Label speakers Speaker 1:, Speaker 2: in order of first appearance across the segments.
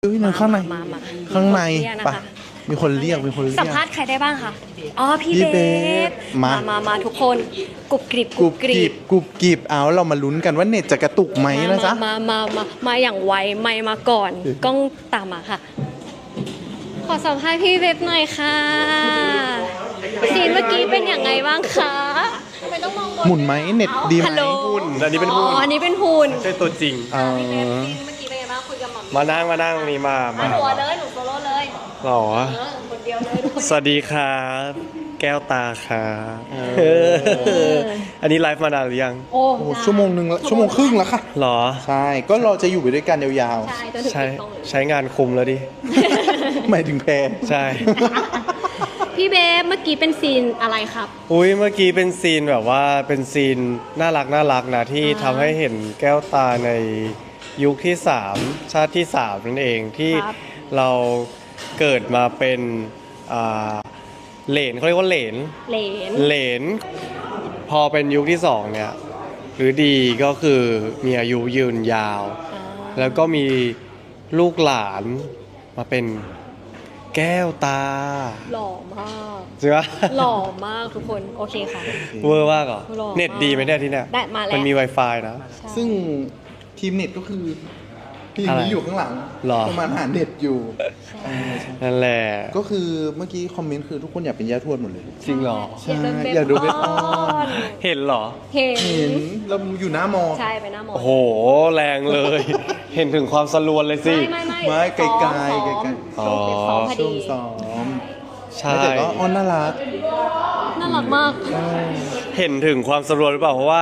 Speaker 1: ฮ้ยนั่นข้างใน
Speaker 2: มา
Speaker 1: ข้างใน
Speaker 2: ปะ
Speaker 1: ปะมีคนเรียก
Speaker 2: สัมภาษณ์ใครได้บ้างคะอ๋อพี่
Speaker 1: พี่
Speaker 2: เบ
Speaker 1: เบ
Speaker 2: ฟ
Speaker 1: ฟมา
Speaker 2: มาทุกคนกรุบกริบ
Speaker 1: กรุบกริบเอาเรามาลุ้นกันว่าเน็ตจะกระตุกไหมนะจ๊ะ
Speaker 2: มาอย่างไวไม่มาก่อนกล้องตามมาค่ะ ขอสัมภาษณ์พี่เบฟหน่อยค่ะซีนเมื่อกี้เป็นอย่างไงบ้างคะทำไมต้องมองบน
Speaker 1: หมุนไหมเน็ตดีไหม
Speaker 2: ฮัลโหล
Speaker 3: หุ่นอันนี้เป็นหุ่น
Speaker 2: อ๋ออันนี้เป็นหุ่น
Speaker 3: ใช่ตัวจริง
Speaker 2: พี่เบฟซีนเมื่อกี้เป็นไงบ้างคุยกับหม่อม
Speaker 3: มานั่งตรงนี้มา
Speaker 2: ตัวเลยหนูโซโล่เลย
Speaker 3: หรอ
Speaker 2: คนเดียวเลยทุกคน
Speaker 3: สวัสดีครับแก้วตาครับอันนี้ไลฟ์มานานหรือยัง
Speaker 2: โอ้
Speaker 1: โอ้ชั่วโมงหนึ่งแล้วชั่วโมงครึ่งแล้วค่ะ
Speaker 3: หรอ
Speaker 1: ใช่ก็เราจะอยู่ไปด้วยกันยาว
Speaker 2: ใช่จนถึง
Speaker 3: ใช้
Speaker 2: ต้องเลย
Speaker 3: ใช้งานคุมแล้วดิ
Speaker 1: ๆหมายถึงแพร
Speaker 3: ใช่
Speaker 2: พี่เบฟเมื่อกี้เป็นซีนอะไรครับ
Speaker 3: อุ้ยเมื่อกี้เป็นซีนแบบว่าเป็นซีนน่ารักนะที่ทำให้เห็นแก้วตาในยุคที่ 3 ชาติที่ 3 นั่นเองที่
Speaker 2: ครับ
Speaker 3: เราเกิดมาเป็นอ่าเหลนเขาเรียกว่าเหลน
Speaker 2: เหลน
Speaker 3: พอเป็นยุคที่ 2เนี่ยหรือดีก็คือมีอายุยืนยาว แล้วก็มีลูกหลานมาเป็นแก้วตา
Speaker 2: หล่อมาก
Speaker 3: ใช่ไหม
Speaker 2: หล่อมากทุกคนโอเคค่ะ
Speaker 3: เวอร์มากเหรอ
Speaker 2: หล่อมาก
Speaker 3: เน็ตดีไหมเนี่ยที่เนี่ย
Speaker 2: ได้มาแล้ว
Speaker 3: มันมี Wi-Fi นะ
Speaker 1: ซึ่งทีมเน็ตก็คือทีม
Speaker 3: อะไร
Speaker 1: นี้อยู่ข้างหลัง
Speaker 3: หรอ
Speaker 1: ประมาณหาเน็ตอยู่ใช่
Speaker 3: นั่นแหละ
Speaker 1: ก็คือเมื่อกี้คอมเมนต์คือทุกคนอยากเป็นย่าทวดหมดเลย
Speaker 3: จริงเหรอ
Speaker 1: ใช่อ
Speaker 2: อ
Speaker 1: าย
Speaker 2: ยาก ก
Speaker 1: ดู
Speaker 2: ดู
Speaker 1: เว็
Speaker 2: เว็
Speaker 1: บบ อ
Speaker 2: อ
Speaker 1: อ
Speaker 2: อน น
Speaker 3: เห็นเหรอ
Speaker 2: เห็
Speaker 1: เห็
Speaker 2: น
Speaker 1: นเราอยู่หน้ามอ
Speaker 2: ใช่ไปหน้ามอ
Speaker 3: โอ้โห แรงเลย เห็นถึงความสลวนเลยสิ
Speaker 2: ไม่
Speaker 1: ไกลๆ
Speaker 2: ซ้อม
Speaker 1: ไกล
Speaker 2: ช่วงเก็บซ้อมพอ
Speaker 1: ช่ว
Speaker 2: ดี
Speaker 1: งซ้อม
Speaker 3: ใช่
Speaker 1: แต่ก็อ้อนน่ารัก
Speaker 2: น่ารักมาก
Speaker 3: เห็นถึงความสลวนหรือเปล่า เพราะว่า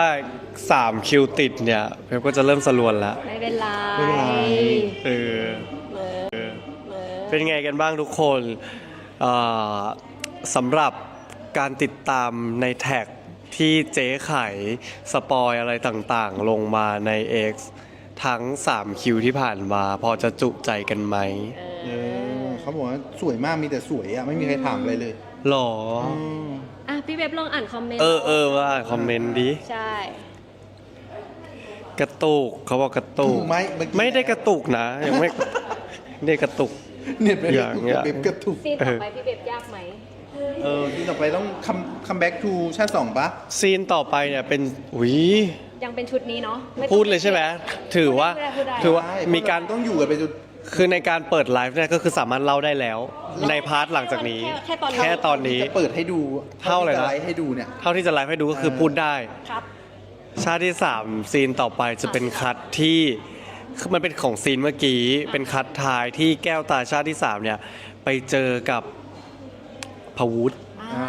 Speaker 3: 3 คิวติดเนี่ยเพปก็จะเริ่มสลวนแล้ว
Speaker 2: ไม่เป็นไร
Speaker 1: ไม่เป็นไร
Speaker 3: เออ
Speaker 2: เออ
Speaker 3: เป็นไงกันบ้างทุกคนเอ่อสำหรับการติดตามในแท็กที่เจ๊ไข่สปอยอะไรต่างๆ ลงมาใน X ทั้ง 3 คิวที่ผ่านมา พอจะจุใจกันไหม
Speaker 1: เขาบอกว่าสวยมากมีแต่สวยอ่ะไม่มีใครถามอะไรเลย
Speaker 3: หรอ
Speaker 2: อ่ะพี่เว็บลองอ่านคอมเมนต์
Speaker 3: ว่าคอมเมนต์ดิ
Speaker 2: ใช่
Speaker 3: กระตุกเขาบอกกระตุก
Speaker 1: ถูกไหมเมื่อกี้
Speaker 3: ไม่ได้กระตุกนะยังไม่ ไม่ได้กระตุก
Speaker 1: เน็ตไป
Speaker 3: อย่างเงี้ย
Speaker 1: เว็บกระตุก
Speaker 2: ซีนต่อไปพี่เว็บยากไหม
Speaker 1: ที่ต่อไปต้องคัมแบ็กทูชาติ 2ปะ
Speaker 3: ซีนต่อไปเนี่ยเป็นอุ้ย
Speaker 2: ยังเป็นชุดนี้เนาะไม่ต้อง
Speaker 3: พูดเลยใช่ไหมถือว่า
Speaker 2: พูดได้
Speaker 3: ถือว่า
Speaker 1: ใช่
Speaker 3: มีการ
Speaker 1: ต้องอยู่กันไปจน
Speaker 3: คือในการเปิดไลฟ์เนี่ยก็คือสามารถเล่าได้แล้ว ในพาร์ทหลังจากนี้
Speaker 2: แค่ตอนนี้
Speaker 3: แค่ตอนนี้
Speaker 1: จะเปิดให้ดู
Speaker 3: เท่าไหร่นะ
Speaker 1: จะไลฟ์ให้ดูเนี่ย
Speaker 3: เท่าที่จะไลฟ์ให้ดูก็คือพูดได้
Speaker 2: ครับ
Speaker 3: ชาติที่ 3 ซีนต่อไปจะเป็นคัดที่คือมันเป็นของซีนเมื่อกี้ เป็นคัดท้ายที่แก้วตาชาติที่ 3 เนี่ย ไปเจอกับพวุฒิ
Speaker 1: อ่า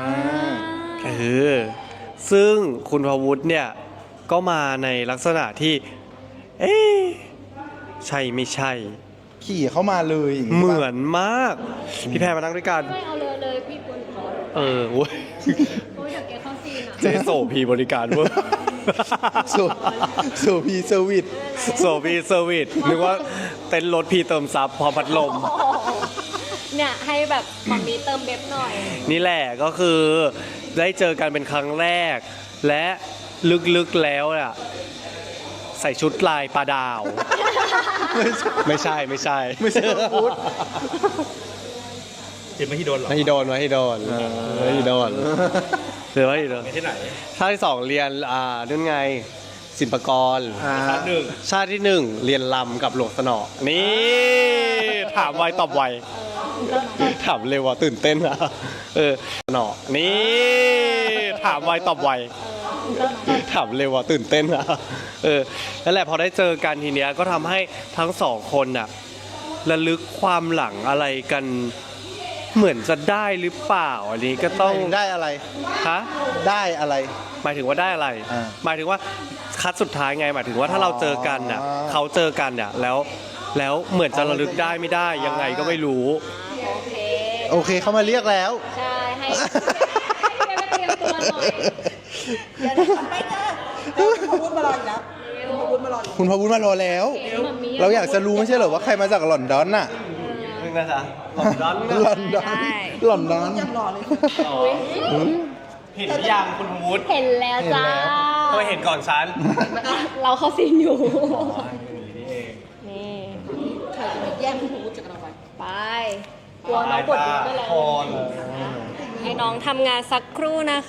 Speaker 3: ซึ่งคุณพวุฒิเนี่ยก็มาในลักษณะที่ เอ๊ะใช่ไม่ใช่
Speaker 1: ขี่เข้ามาเลยอย่างงี้
Speaker 3: เห
Speaker 1: ปะ
Speaker 3: มือนมาก พี่แพรมานั่งด้วยกัน
Speaker 2: ไม่เอาเลยพี่ควรขอ
Speaker 3: เว้ย
Speaker 2: โอ้ยเดี๋ยวแกเข้าซีนอ่ะ
Speaker 3: เจโสพีบริการเว้ย
Speaker 1: โซโซพีเซอร์วิส
Speaker 3: โซพีเซอร์วิสนึกว่าเต้นรถพีเติมซับพร้อมพัดลม
Speaker 2: เนี่ยให้แบบมัมมี่เติมเบบหน่อย
Speaker 3: นี่แหละก็คือได้เจอกันเป็นครั้งแรก และลึกๆแล้วอ่ะใส่ชุดลายปลาดาว ไม่ใช่
Speaker 1: ไม่ใช่พุทธ
Speaker 4: จิตไม่ที่โดนหรอ
Speaker 3: ไม่โดนไม่โดนไม่โดนหรือว่าโดน
Speaker 4: ที่ไหน
Speaker 3: ชาติที่ 2 เรียนนั่นไงศิลปากร
Speaker 4: หนึ่ง
Speaker 3: ชาติที่ 1 เรียนลำกับหลวงสนอ นี่ ถามไวตอบไว ถามเร็วว่ะตื่นเต้นอะสนอ นี่ ถามไวตอบไว ถามเร็วว่ะตื่นเต้นอะนั่นแหละพอได้เจอกันทีเนี้ยก็ทำให้ทั้งสองคนน่ะระลึกความหลังอะไรกันเหมือนจะได้หรือเปล่าอันนี้ก็ต้อง
Speaker 1: ได้อะไร
Speaker 3: ฮะ
Speaker 1: ได้อะไร
Speaker 3: หมายถึงว่าได้อะไร
Speaker 1: อ่า
Speaker 3: หมายถึงว่าคัดสุดท้ายไง หมายถึงว่าถ้าเราเจอกันน่ะ
Speaker 1: อ๋อ
Speaker 3: เขาเจอกันน่ะแล้วเหมือนจะระลึกได้ไม่ได้ยังไงก็ไม่รู้
Speaker 2: โอเค
Speaker 1: โอเคเขามาเรียกแล้ว
Speaker 2: ใช่ให้พี่เว็บไปเตรียมตัวหน่อย
Speaker 5: คุณพูดมารออีกแล้วคุณพูดมารออีก
Speaker 1: คุณพวุฒิมารอแล้ว
Speaker 2: มัมมี่
Speaker 1: เราอยากจะรู้ไม่ใช่เหรอว่าใครมาจากลอนดอนน่ะ
Speaker 3: นึงนะจ๊ะหลอนดอน
Speaker 1: ลอนดอนลอนดอน
Speaker 5: ยังรอเลย
Speaker 3: เห็นหรือยังคุณวุฒิ
Speaker 2: เห็นแล้วจ้า
Speaker 3: ทำไมเห็นก่อนฉัน
Speaker 2: เราเข้าซีนอยู่ นี่
Speaker 5: ใครจะมาแย่งคุณพูดจากเรา
Speaker 2: ไปกลัวน้องบดมือก็เลยให้น้องทำงานสักครู่นะคะ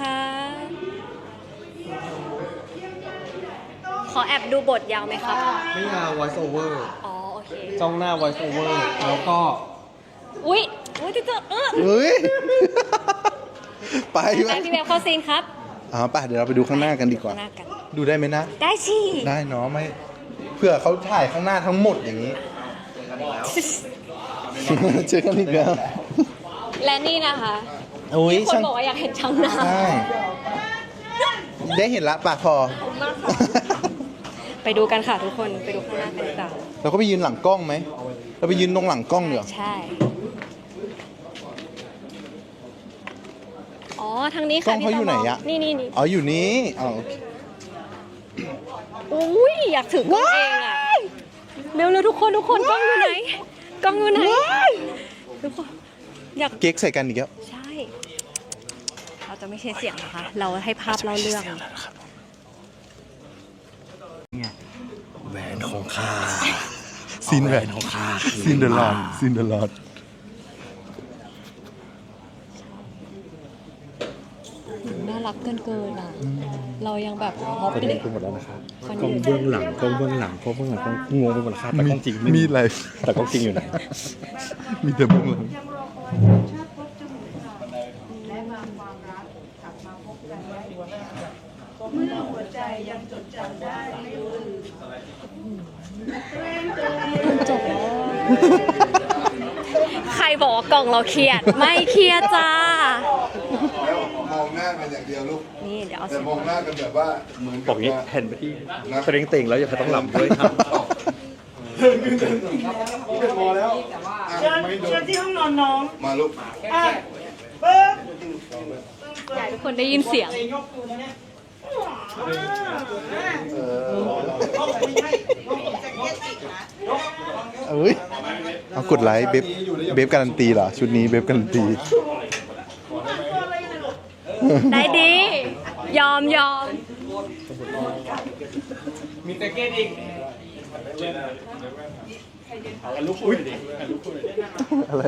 Speaker 2: ขอแอบดูบทยาวไหมครับ
Speaker 3: ไม่ยาว voice over
Speaker 2: อ๋อโอเค
Speaker 3: จ้องหน้า voice over แล้วก็
Speaker 2: อุ้ยจะเจอ
Speaker 1: เฮ้ย ไป
Speaker 2: ไปพี่แบบเข้าซีนครับ
Speaker 1: ป่ะเดี๋ยวเราไปดูข้างหน้ากันดีกว่า
Speaker 2: หน้ากัน
Speaker 1: ดูได้ไหมนะ
Speaker 2: ได้สิ
Speaker 1: ได้เนาะไม่เพื่อเขาถ่ายข้างหน้าทั้งหมดอย่างนี้ เจอกันอีกแล้ว
Speaker 2: และนี่นะคะ
Speaker 1: โอ้ย
Speaker 2: คน
Speaker 1: ช่าง
Speaker 2: บอกว่าอยากเห็นช่างหน้า
Speaker 1: ใช่ได้เห็นละปากพอ
Speaker 2: ไปดูกันค่ะทุกคนไปดูข้างหน้ากันดีกว่า
Speaker 1: เราก็ไปยืนหลังกล้องไหม เราไปยืนตรงหลังกล้องเดี๋ยว
Speaker 2: ใช่ อ๋อทางนี้
Speaker 1: กล้
Speaker 2: ค่ะ
Speaker 1: องเขาอยู่ไหนอะ
Speaker 2: นี่
Speaker 1: อ๋ออยู่นี้อ๋อโอเค
Speaker 2: อุ้ยอยากถือกล้องเองอ่ะเร็วๆทุกคนกล้องอยู่ไหนกล้องอยู่ไหนทุกคนอยาก
Speaker 1: เก๊กใส่กันอีกแล้ว
Speaker 2: ใช่ เราจะไม่ใช้เสียงนะคะ เราให้ภาพเล่าเรื่อง
Speaker 3: แหวนของข้า
Speaker 1: ซีนแหวนของข้าซีนเดอะลอดซีนเดอะลอด
Speaker 2: น่ารักเกินอ่ะ เรายังแบบฮอป
Speaker 3: ตอน
Speaker 2: เล
Speaker 3: นี้
Speaker 2: ย
Speaker 3: คุณหมดแล้วนะครับ
Speaker 2: คน
Speaker 3: กล้อง
Speaker 2: นี้
Speaker 3: เบื้องหลังกล้องเบื้องหลังกล้องเบื้องหลังกล้องงงไปหมดแล้วครับแต่กล้องจริงไม่
Speaker 1: มีอะไร
Speaker 3: แต่กล้องจริงอยู่ไหน
Speaker 1: มีแต่เบื้องหลัง
Speaker 2: จบแล้วใครบอกว่ากล่องเราเครียด ไม่เครียดจ้า
Speaker 4: มองหน้ากันอย่างเดียวลูก
Speaker 2: นี่เดี๋ยวเอา
Speaker 4: แต่มองหน้ากันแบบว่าเหมือน
Speaker 3: บอกงี้แผ่นไปที่เตรงเต่งแล้วอย่าต้องหลับด้วยครับ
Speaker 4: เชิญที่ห้องนอนน้องมาลูก
Speaker 2: อยากให้ทุกคนได้ยินเสียง
Speaker 1: เอ้ยเอากดไลค์เบฟการันตีเหรอ ชุดนี้เบฟการันตี
Speaker 2: ได้ดี ยอม
Speaker 1: อะไร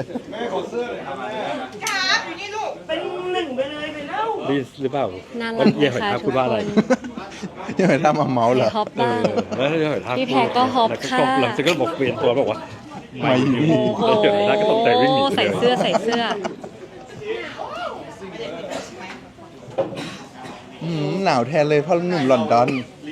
Speaker 3: ดีหรือเปล่า
Speaker 2: น่ารัก
Speaker 3: เยี่ยม
Speaker 2: นะคะ
Speaker 3: ครับ
Speaker 2: ทุ
Speaker 3: คุ
Speaker 2: ก
Speaker 3: ณว่า
Speaker 2: ค
Speaker 3: อะไร
Speaker 2: น
Speaker 1: ยังไงถ้ามาเมาส์เหรอ
Speaker 2: ฮอปบ้าง
Speaker 3: แล้วเดี๋ยวถ้า
Speaker 2: พี่แพรก็ฮอปค่ะ
Speaker 3: หลังจากก็บอกเปลี่ยนตัวบอกว่า
Speaker 1: ไม่อยู่นี่
Speaker 2: โอ้
Speaker 3: แล้วเดี๋ยวได้ก็ตกใจวิ่งหนี
Speaker 2: ใส่เสื้อ
Speaker 1: หนาวแทนเลยเพราะหนุ่มลอนดอน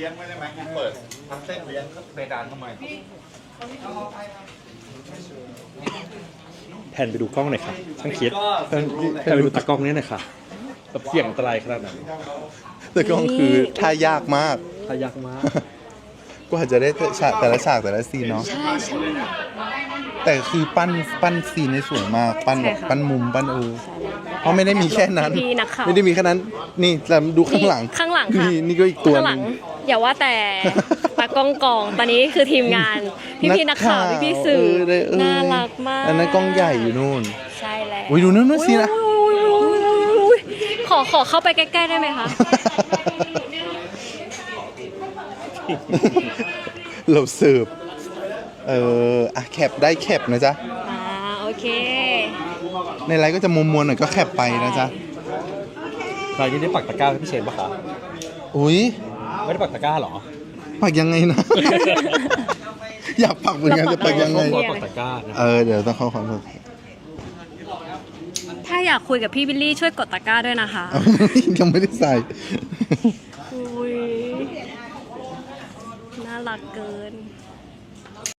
Speaker 3: แผ่นไปดูกล้องหน่อยครับช่างคิดแผ่นไปดูตากล้องนี้หน่อยค่ะแบบเสี่ยงอันตรายขนาดไหน
Speaker 1: แต่กล้องคือท่ายากมาก
Speaker 3: ทายากมาก
Speaker 1: กว่าจะได้ฉากแต่ละฉากแต่ละซีนเนาะ
Speaker 2: ใช่
Speaker 1: แต่คือปั้นซีนในสวยมาก ปั้นแบบ
Speaker 2: ใช่ค่ะ
Speaker 1: ปั้นมุมปั้นเพราะไม่ได้มีแค่นั้น
Speaker 2: พี่นักข่าว
Speaker 1: ไม่ได้มีแค่นั้น นี่เราดูข้างหลัง
Speaker 2: ข้างหลังค่ะ
Speaker 1: นี่ก็อีกตัว
Speaker 2: ข้าง
Speaker 1: ห
Speaker 2: หลั
Speaker 1: นึ
Speaker 2: ง
Speaker 1: ง
Speaker 2: อย่าว่าแต่ตากล้องกองตอนนี้คือทีมงาน พี่นักข่าวพี่สื่อ น่ารักมาก
Speaker 1: อันนั้นกล้องใหญ่อยู่นู่น
Speaker 2: ใช่แล้ว
Speaker 1: โอ้ยดูนู่นสินะ
Speaker 2: อุ๊ยขอเข้าไปใกล้ๆได้ไหมคะ
Speaker 1: เราเสิร์ฟอ่ะแคปได้แคปนะจ๊ะ
Speaker 2: โอเค
Speaker 1: ในไลน์ก็จะมวลๆหน่อยก็แคปไปนะจ๊ะ
Speaker 3: รายนี้ได้ปักตะกร้าให้พี่เชนปะคะ
Speaker 1: อุ้ย
Speaker 3: ไม่ได้ปักตะกร้าเหรอ
Speaker 1: ปักยังไงนะ อยากปักเหมือนกันจะปักยังไง
Speaker 3: ขอปักตะกร้านะ
Speaker 1: เดี๋ยวต้องเข้าความสด
Speaker 2: ถ้าอยากคุยกับพี่บิลลี่ช่วยกดตะกร้าด้วยนะคะ
Speaker 1: ยังไม่ได้ใส่
Speaker 2: อุ้ยน่ารักเกิน